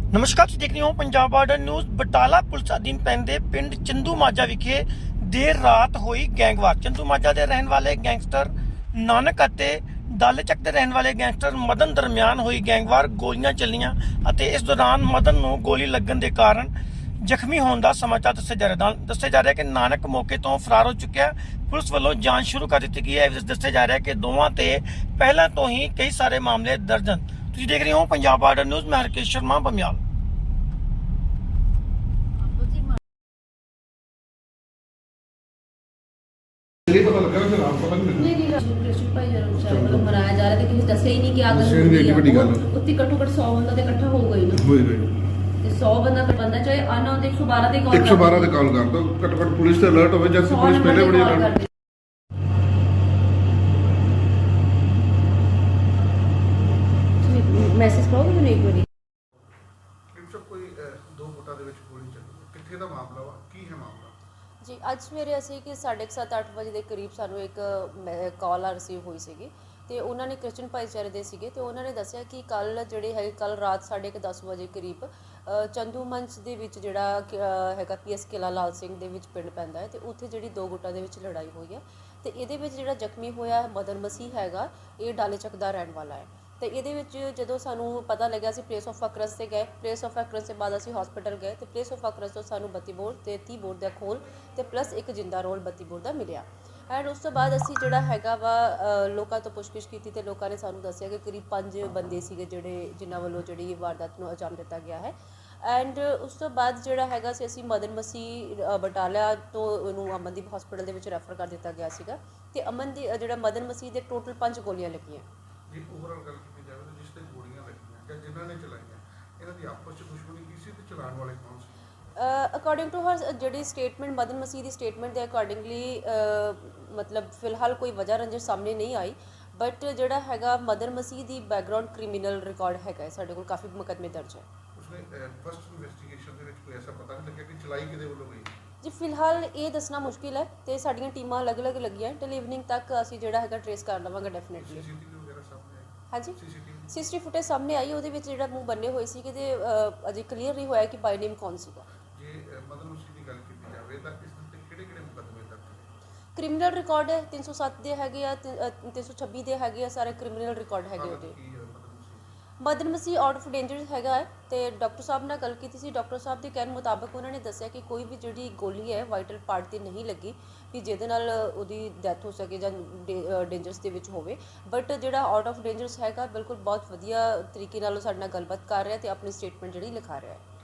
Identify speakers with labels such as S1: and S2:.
S1: ਨਮਸਕਾਰ, ਤੁਸੀਂ ਦੇਖ ਰਹੇ ਹੋ Punjab border news. Batala police ਅਧੀਨ ਪੈਂਦੇ ਪਿੰਡ ਚੰਦੂ ਮਾਜਾ ਵਿਖੇ ਦੇਰ ਰਾਤ ਹੋਈ ਗੈਂਗਵਾਰ। ਚੰਦੂ ਮਾਜਾ ਦੇ ਰਹਿਣ ਵਾਲੇ ਗੈਂਗਸਟਰ ਨਾਨਕ ਅਤੇ ਦਾਲੇਚੱਕ ਦੇ ਰਹਿਣ ਵਾਲੇ ਗੈਂਗਸਟਰ ਮਦਨ ਦਰਮਿਆਨ ਹੋਈ ਗੈਂਗਵਾਰ। ਗੋਲੀਆਂ ਚੱਲੀਆਂ ਅਤੇ ਇਸ ਦੌਰਾਨ ਮਦਨ ਨੂੰ ਗੋਲੀ ਲੱਗਣ ਦੇ ਕਾਰਨ ਜ਼ਖਮੀ ਹੋਣ ਦਾ ਸਮਾਚਾਰ ਦੱਸਿਆ ਜਾ ਰਿਹਾ ਕਿ ਨਾਨਕ ਮੌਕੇ ਤੋਂ ਫਰਾਰ ਹੋ ਚੁੱਕਿਆ। ਪੁਲਿਸ ਵੱਲੋਂ ਜਾਂਚ ਸ਼ੁਰੂ ਕਰ ਦਿੱਤੀ ਗਈ ਹੈ। ਦੱਸਿਆ ਜਾ ਰਿਹਾ ਕਿ ਦੋਵਾਂ ਤੇ ਪਹਿਲਾਂ ਤੋਂ ਹੀ ਕਈ ਸਾਰੇ ਮਾਮਲੇ ਦਰਜ ਹਨ। ਤੁਸੀਂ ਦੇਖ ਰਹੇ ਹੋ ਪੰਜਾਬ ਬਾਰਡਰ ਨਿਊਜ਼। ਮੈਂ ਹਰਕੇਸ਼ ਸ਼ਰਮਾ, ਬਮਿਆਲ।
S2: नहीं पता लगा फिर आप पता नहीं
S3: नहीं कृष्ण भाई जरूर शायद मतलब मनाया जा रहा था कि दस्या ही नहीं कि आग उत्ती घट्टो घट 100 बंदा ते इकट्ठा हो गई ना
S2: होई गई
S3: ते 100 बंदा चाहे अननोन 112 ਤੇ ਕਾਲ
S2: 112 ਤੇ ਕਾਲ ਕਰ ਦੋ। ਘੱਟੋ ਘੱਟ ਪੁਲਿਸ ਤੇ ਅਲਰਟ ਹੋਵੇ। ਜਦ ਪੁਲਿਸ ਪਹਿਲੇ ਬੜੀ ਅਲਰਟ
S3: ਮੈਸੇਜ ਪਾਓ ਮੈਨੂੰ ਇੱਕ ਵਾਰੀ।
S2: ਸਭ ਕੋਈ ਦੋ ਫੁੱਟਾਂ ਦੇ ਵਿੱਚ ਗੋਲੀ ਚੱਲੀ, ਕਿੱਥੇ ਦਾ ਮਾਮਲਾ ਵਾ, ਕੀ ਹੈ ਮਾਮਲਾ?
S4: ਜੀ ਅੱਜ ਸਵੇਰੇ ਅਸੀਂ ਕਿ 7:30-8 ਵਜੇ ਦੇ ਕਰੀਬ ਸਾਨੂੰ ਇੱਕ ਕਾਲ ਰਿਸੀਵ ਹੋਈ ਸੀਗੀ ਤੇ ਉਹਨਾਂ ਨੇ ਕ੍ਰਿਸਚਨ ਭਾਈਚਾਰੇ ਦੇ ਸੀਗੇ ਤੇ ਉਹਨਾਂ ਨੇ ਦੱਸਿਆ ਕਿ ਕੱਲ ਕੱਲ ਰਾਤ 10:30 ਵਜੇ ਕਰੀਬ ਚੰਦੂ ਮੰਚ ਦੇ ਵਿੱਚ ਜਿਹੜਾ ਹੈਗਾ ਪੀਐਸ ਕਿਲਾ ਲਾਲ ਸਿੰਘ ਦੇ ਵਿੱਚ ਪਿੰਡ ਪੈਂਦਾ ਹੈ ਤੇ ਉੱਥੇ ਜਿਹੜੀ ਦੋ ਗੁੱਟਾਂ ਦੇ ਵਿੱਚ ਲੜਾਈ ਹੋਈ ਹੈ ਤੇ ਇਹਦੇ ਵਿੱਚ ਜਿਹੜਾ ਜ਼ਖਮੀ ਹੋਇਆ ਮਦਨ ਮਸੀਹ ਹੈਗਾ, ਇਹ ਡਾਲੇਚੱਕ ਦਾ ਰਹਿਣ ਵਾਲਾ ਹੈ। ਤੇ ਇਹਦੇ ਵਿੱਚ ਜਦੋਂ ਸਾਨੂੰ ਪਤਾ ਲੱਗਿਆ ਅਸੀਂ ਪਲੇਸ ਆਫ ਅਕਰੈਂਸ ਤੇ ਗਏ। ਪਲੇਸ ਆਫ ਅਕਰੈਂਸ ਤੋਂ ਬਾਅਦ ਅਸੀਂ ਹਸਪੀਟਲ ਗਏ ਤੇ ਪਲੇਸ ਆਫ ਅਕਰੈਂਸ ਤੋਂ ਸਾਨੂੰ 32 ਬੋਰ ਤੇ 30 ਬੋਰ ਦਾ ਖੋਲ ਤੇ ਪਲੱਸ ਇੱਕ ਜਿੰਦਾ ਰੋਲ 32 ਬੋਰ ਦਾ ਮਿਲਿਆ। ਐਂਡ ਉਸ ਤੋਂ ਬਾਅਦ ਅਸੀਂ ਜਿਹੜਾ ਹੈਗਾ ਵਾ ਲੋਕਾਂ ਤੋਂ ਪੁੱਛਗਿੱਛ ਕੀਤੀ ਤੇ ਲੋਕਾਂ ਨੇ ਸਾਨੂੰ ਦੱਸਿਆ ਕਿ ਕਰੀਬ 5 ਬੰਦੇ ਸੀਗੇ ਜਿਨ੍ਹਾਂ ਵੱਲੋਂ ਜਿਹੜੀ ਵਾਰਦਾਤ ਨੂੰ ਅੰਜਾਮ ਦਿੱਤਾ ਗਿਆ ਹੈ। ਐਂਡ ਉਸ ਤੋਂ ਬਾਅਦ ਜਿਹੜਾ ਹੈਗਾ ਸੀ ਅਸੀਂ ਮਦਨ ਮਸੀਹ ਬਟਾਲਾ ਤੋਂ ਉਹਨੂੰ ਅਮਨਦੀਪ ਹਸਪੀਟਲ ਦੇ ਵਿੱਚ ਰੈਫਰ ਕਰ ਦਿੱਤਾ ਗਿਆ ਸੀਗਾ ਤੇ ਜਿਹੜਾ ਮਦਨ ਮਸੀਹ ਦੇ ਟੋਟਲ 5 ਗੋਲੀਆਂ ਲੱਗੀਆਂ।
S2: ਜੀ ਓਵਰਆਲ ਗੱਲ ਕੀਤੀ ਜਾਵੇ ਤਾਂ ਜਿਸ ਤੇ ਗੋਲੀਆਂ ਲੱਗੀਆਂ ਜਾਂ ਜਿਨ੍ਹਾਂ ਨੇ ਚਲਾਈਆਂ, ਇਹਨਾਂ ਦੀ ਆਪਸ ਵਿੱਚ ਦੁਸ਼ਮਣੀ ਕੀ ਸੀ ਤੇ ਚਲਾਉਣ ਵਾਲੇ ਕੌਣ ਸੀ?
S4: ਅਕੋਰਡਿੰਗ ਟੂ ਹਰ ਜਿਹੜੀ ਸਟੇਟਮੈਂਟ ਮਦਨ ਮਸੀਹ ਦੀ ਸਟੇਟਮੈਂਟ ਦੇ ਅਕੋਰਡਿੰਗਲੀ ਮਤਲਬ ਫਿਲਹਾਲ ਕੋਈ ਵਜ੍ਹਾ ਰੰਜਿਸ਼ ਸਾਹਮਣੇ ਨਹੀਂ ਆਈ। ਬਟ ਜਿਹੜਾ ਹੈਗਾ ਮਦਨ ਮਸੀਹ ਦੀ ਬੈਕਗਰਾਉਂਡ ਕ੍ਰਿਮੀਨਲ ਰਿਕਾਰਡ ਹੈਗਾ, ਸਾਡੇ ਕੋਲ ਕਾਫੀ ਮੁਕੱਦਮੇ ਦਰਜ ਹੈ।
S2: ਉਸਨੇ ਫਸਟ ਇਨਵੈਸਟੀਗੇਸ਼ਨ ਦੇ ਵਿੱਚ ਕੋਈ ਐਸਾ ਪਤਾ ਨਹੀਂ ਲੱਗਿਆ ਕਿ ਚਲਾਈ ਕਿਹਦੇ ਵੱਲੋਂ ਗਈ?
S4: ਜੀ ਫਿਲਹਾਲ ਇਹ ਦੱਸਣਾ ਮੁਸ਼ਕਿਲ ਹੈ ਤੇ ਸਾਡੀਆਂ ਟੀਮਾਂ ਅਲੱਗ-ਅਲੱਗ ਲੱਗੀਆਂ। ਟਿਲ ਇਵਨਿੰਗ ਤੱਕ ਅਸੀਂ ਜਿਹੜਾ ਹੈਗਾ ਟ੍ਰੇਸ ਕਰ ਲਵਾਂਗੇ ਡੈਫੀਨਿਟਲੀ।
S2: ਸੀਸੀਟੀਵੀ ਵਗੈਰਾ ਸਾਹਮਣੇ ਆਈ?
S4: ਹਾਂਜੀ,
S2: ਸੀਸੀਟੀਵੀ
S4: ਸੀਸੀਟੀਵੀ ਫੁਟੇਜ ਸਾਹਮਣੇ ਆਈ। ਉਹਦੇ ਵਿੱਚ ਜਿਹੜਾ ਮੂੰਹ ਬੰਨੇ ਹੋਏ ਸੀ ਤੇ ਅਜੇ ਕਲੀਅਰ ਨਹੀਂ ਹੋਇਆ ਕਿ ਬਾਈ ਨੇਮ ਕੌਣ ਸੀਗਾ।
S2: ਜੇ ਮਦਨ ਮਸੀਹ ਦੀ ਗੱਲ ਕੀਤੀ ਜਾਵੇ ਤਾਂ ਇਸ ਦੇ ਕਿਹੜੇ ਮੁਕੱਦਮੇ ਦਰਜ ਨੇ?
S4: ਕ੍ਰਿਮੀਨਲ ਰਿਕਾਰਡ ਹੈ 307 ਦੇ ਹੈਗੇ ਆ, 326 ਦੇ ਹੈਗੇ ਆ, ਸਾਰੇ ਕ੍ਰਿਮੀਨਲ ਰਿਕਾਰਡ ਹੈਗੇ ਉਹਦੇ। Madan Masih out of danger ਹੈਗਾ ਹੈ ਤੇ ਡਾਕਟਰ ਸਾਹਿਬ ਨਾਲ ਗੱਲ ਕੀਤੀ ਸੀ। ਡਾਕਟਰ ਸਾਹਿਬ ਦੇ ਕਹਿਣ ਮੁਤਾਬਕ ਉਹਨਾਂ ਨੇ ਦੱਸਿਆ ਕਿ ਕੋਈ ਵੀ ਜਿਹੜੀ ਗੋਲੀ ਹੈ ਵਾਈਟਲ ਪਾਰਟ ਤੇ ਨਹੀਂ ਲੱਗੀ ਵੀ ਜਿਹਦੇ ਨਾਲ ਉਹਦੀ ਡੈਥ ਹੋ ਸਕੇ ਜਾਂ ਡੇਂਜਰਸ ਦੇ ਵਿੱਚ ਹੋਵੇ। ਬਟ ਜਿਹੜਾ ਆਊਟ ਆਫ ਡੇਂਜਰਸ ਹੈਗਾ ਬਿਲਕੁਲ ਬਹੁਤ ਵਧੀਆ ਤਰੀਕੇ ਨਾਲ ਉਹ ਸਾਡੇ ਨਾਲ ਗੱਲਬਾਤ ਕਰ ਰਿਹਾ ਤੇ ਆਪਣੀ ਸਟੇਟਮੈਂਟ ਜਿਹੜੀ ਲਿਖਾ ਰਿਹਾ ਹੈ।